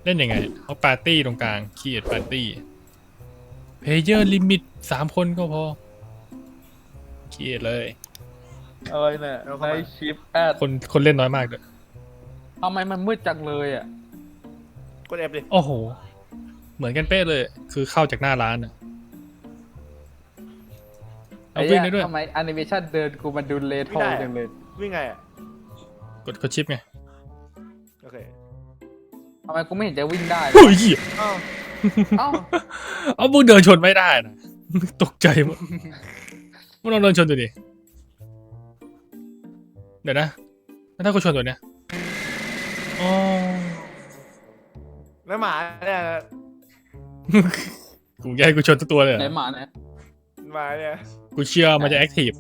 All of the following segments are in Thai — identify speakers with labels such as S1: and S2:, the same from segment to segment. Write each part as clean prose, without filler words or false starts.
S1: ล่นยังไงเอาปาร์ตี้ตรงกลางคีดปาร์ตี้เพลเยอร์ลิมิต3 คนก็พอคีดเลย
S2: อะไรเนี่ยในชิปแอด
S1: คนเล่นน้อยมากเลย
S2: ทำไมมันมืดจังเลยอ่ะ
S3: กดเอฟดิ
S1: โอ้โหเหมือนกันเป๊ะเลยคือเข้าจากหน้าร้านอะเอาวิ่งได้ด้วย
S2: ทำไมแอนิเมชันเดินกูมันดูเลโทจังเลย
S3: วิ่งไงอ่ะ
S1: กดชิปไง
S3: โอเค
S2: ทำไมกูไม่เห็นจะวิ่งได้เลย
S1: โอ้ย
S3: อ้าว
S2: เอ้า
S1: เอามึงเดินชนไม่ได้นะตกใจหมดมึงลองเดินชนดูดิเดี๋ยวนะแล้วถ้ากูชนตัวเนี้ยอ๋อ
S3: แล้วหมาเนี่ย
S1: กูอยากให้กูชนตัวตัวเลยเหร
S2: ไหน
S1: อ
S2: หมาเนี่ย
S3: หมาเนี่ย
S1: กูเชื่อมันจะแอคทีฟ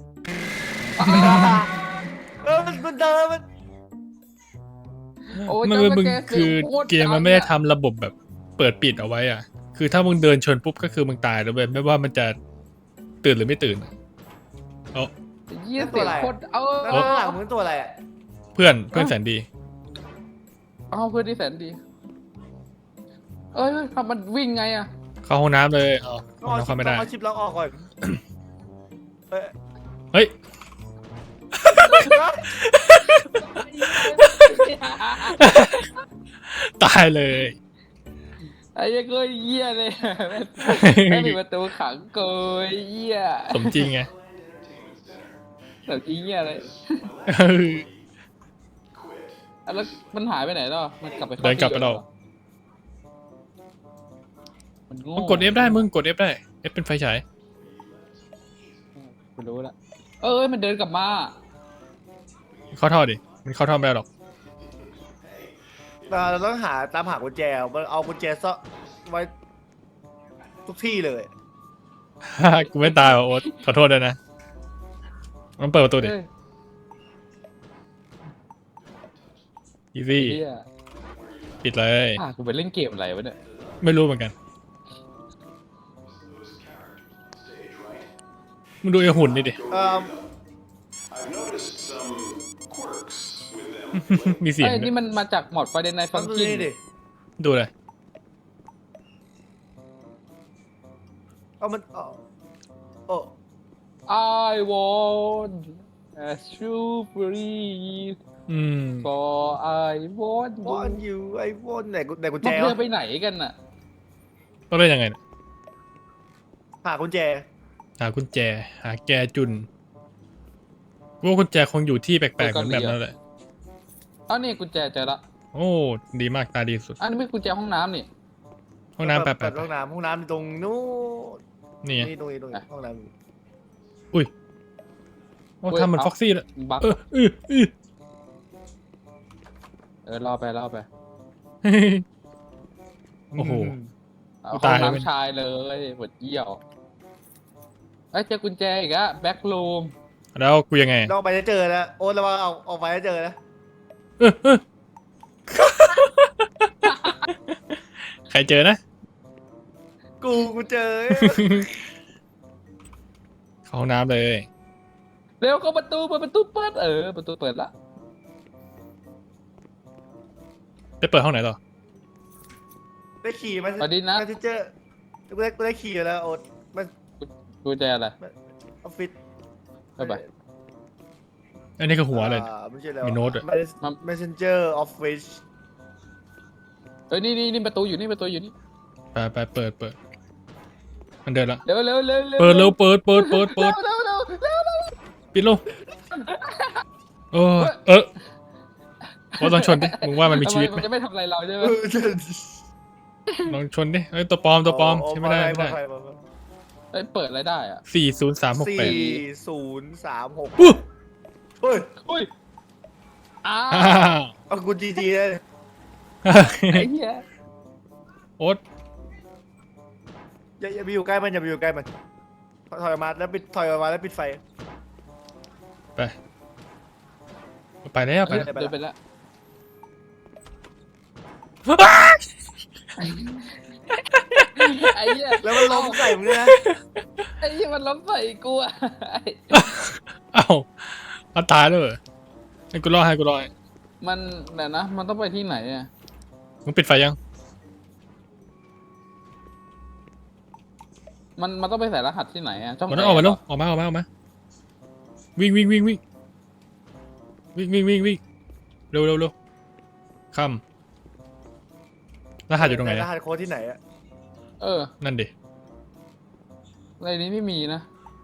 S3: มันเดินมัน
S2: โอ้ย
S1: มัน
S2: เจ้า
S1: มึง
S2: แก
S1: คือ
S2: โตร
S1: เกมมันไม่ได้ทำระบบแบบเปิดปิดเอาไว้อ่ะคือถ้ามึงเดินชนปุ๊บก็คือมึงตายแล้วเว้ยไม่ว่ามันจะตื่นหรือไม่ตื่นเอา
S2: เยี่ยเสียงโคตร
S3: แล้วข้างหลังมึงตัวอะไรอ่ะ
S1: เพื่อนแสนดี
S2: เอาเพื่อนที่แสนดี เอ้ยทำมันวิ่งไงอ่ะ
S1: เข้าห้องน้ำเลยเอา
S3: ต้
S1: ห้องน้ำเข้าไม่ได้
S3: เอาชิปล็อกออกก่อนเอ้ย
S1: เฮ้ยตายเลย
S2: ไอ้เหี้ยก็เยี่ยเลยแม่งปิดประตูขังเกยเยี่ย
S1: สมจริงไง
S2: แต่จริงเยี่ยเลยแล้วมันหายไปไหนแล้วมันกลับไป
S1: เดินกลับไปแล้ว
S2: มันโง่
S1: มึงกด F ได้มึงกด F ได้ F เป็นไฟฉาย
S2: กูรู้ละมันเดินกลับมา
S1: เข้าท่อดิมันเข้าท่อไม่ได้หรอก
S3: เราต้องตามหากุญแจเอากุญแจซ่อนไว้ทุกที่เลย
S1: กูไม่ตายว่ะโอ๊ตขอโทษด้วยนะมันเปิดประตูดิ
S2: เอ้ย
S1: อีซี่
S2: เหี้ย
S1: ปิดเลย
S2: กูไปเล่นเกมอะไรวะเนี่ย
S1: ไม่รู้เหมือนกันมึงดูไอ้หุ่นนี่ดิ มีเสียง
S2: เอ้ย
S1: ด้ว
S2: นี่
S1: ย
S2: มันมาจากหมอดประเด็นในฟั
S3: ฟั
S2: ง
S3: ง
S2: กิ้
S3: นี่ดิ
S1: ดูเลย
S3: เอามันโอ้
S2: I want a strawberry
S1: อืม
S2: for I want
S3: วอน
S2: you
S3: อยู่ไอ้วอนไหนกุญ
S2: มั
S3: แจ
S2: นเดินไปไหนกันน่ะ
S1: ต้องเล่นยังไงเนี่ย
S3: หากุญแจ
S1: หากุญแจ หาแกจุนกูว่ากุญแจคงอยู่ที่แปลกๆเหมือนแบบนั้นแหละ
S2: อ้าวนี่กุญแจเจอละ
S1: โอ้ดีมากตาดีสุด
S2: อันนี้ไม่กุญแจห้องน้ำนี่
S1: ห้องน้ำแปล
S3: เปิด
S1: ก
S3: ห้องน้ำตรงนู้น
S1: นี่ไง
S3: นี่ตรงนี้ห้องน้
S1: อุ้ยโอ้ทำเหมือนฟ็อกซี่เลย
S2: บัก รอไป
S3: ำ
S1: โอ้โห
S2: เอา
S1: กู
S2: ห้
S1: ตา
S2: อย ง
S1: แล้ว
S2: น้ำชายเลยหมดเยี่ยวเอ้ยเจอกุญแจอีกอะแบ็ครูม
S1: แล้วกูยังไง
S3: ลองไปจะเจอแล้วโอ๊ตระวังเอาไปจะเจอนะ
S1: ใครเจอนะ
S3: กูเจอ
S1: เข้าห้องน้ำเลย
S2: เร็วเข้าประตูเปิดประตูเปิดประตูเปิดละ
S1: ไปเปิดห้องไหนต่อ
S3: ได้ขี่มา
S2: สวัสดีนะ
S3: ที่เจอกูได้ขี่แล้วโอ๊ตมัน
S2: กุญแจอะไร
S3: ออฟฟิศ
S2: ไป
S1: อันนี้ก็หัวเลย
S3: ไม่ใช่แล้ว
S1: มีโน้ตด้วย
S3: Messenger Office
S2: นี่ประตูอยู่นี่ประตูอยู่นี่
S1: ไปเปิด มันเดินละ
S2: เร็ว
S1: เปิดเร็วเปิด
S2: เร็ว
S1: ปิดลงโอ้ว่าลองชนดิ มึงว่ามันมีชีวิตไหม
S2: มันจะไม่ทำอะไรเราใช่ไหม
S1: ลองชนดิเอ้ยตัวปลอมใช่ไม่ได้
S2: เปิดอะไรได้อะ
S1: 40368
S3: 4036
S1: ปุ๊บ
S3: เฮ้ย
S2: อุ้ยอ้า
S3: เอากูจีเลย
S2: ไอ้เหี้ย
S1: โอ๊ต
S3: อย่าไปอยู่ใกล้มันถอยออกมาแล้วปิดไฟ
S1: ไปแล้ว
S3: ไปแล้ว
S2: เดินไปแล้วไอ้เหี้ย
S3: แล้วมันล้มใส่มึงด้วยนะ
S2: ไอ้เหี้ยมันล้มใส่กูอะ
S1: เอ้าเอาตายเลยเหรอให้กูรอให้
S2: มันแต่นะมันต้องไปที่ไหนอะ
S1: มึงปิดไฟยัง
S2: มันต้องไปใส่รหัสที่ไหนอะช่อง
S1: มันต้องออกมา
S2: ไหน
S1: แล้วออกมาวิ่งเร็วข้ามรหัสอยู่ตรงไหน
S3: ร
S1: อะ
S3: หัสโค้ดที่ไหนอะ
S2: เออ
S1: นั่นดิ
S2: ในนี้ไม่มีนะ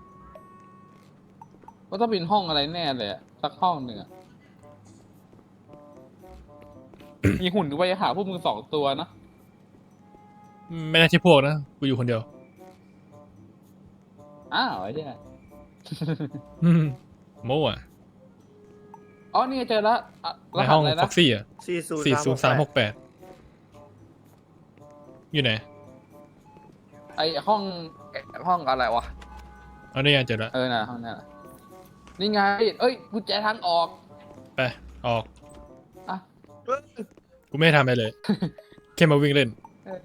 S2: ว่าต้องเป็นห้องอะไรแน่เลยอะสักห้องหนึ่งอะ มีหุ่นไว้หาพวกมึง2 ตัวนะ
S1: ไม่น่าใช่พวกนะกูอยู่คนเดียว
S2: อ้าวไอ้เนี่ย
S1: โม่อะ
S2: อ๋อนี่ไงเจอแล้วอะร
S1: ใน
S2: หั
S1: ห้
S2: ส
S1: อง
S2: อะไร
S1: ฟ็
S2: นะ
S1: อกซี่อะ
S3: 40368
S1: 40368อยู่ไหน
S2: ไอห้องอะไรวะ
S1: เอานี่ไงเจอแล้ว
S2: เออน่ะห้องนั่นน่ะนี่ไง เอ้ยกุญแจทางออก
S1: ไปออก
S2: อ่ะ
S1: กูไม่ได้ทำอะไรเลย แค่มาวิ่งเล่น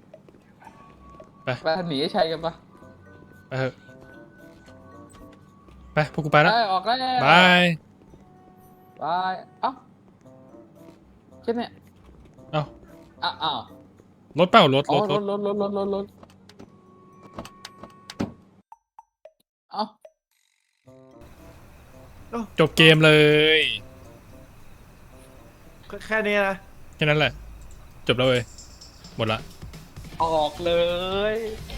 S2: ไปหนีไอ้ชัยกันปะ
S1: ไปเถอะไปพวกกูไปแล้ว
S2: ไปออกแล้ว
S1: บาย
S2: บายเอ้าแค่เนี้ย
S1: เอ้า
S2: อ้าว
S1: รถเปล่ารถ
S2: อ๋อรถเอ้า
S1: จบเกมเลย
S3: แค่นี้นะ
S1: แค่นั้นแหละ จบแล้วเว้ยหมดละ
S2: ออกเลย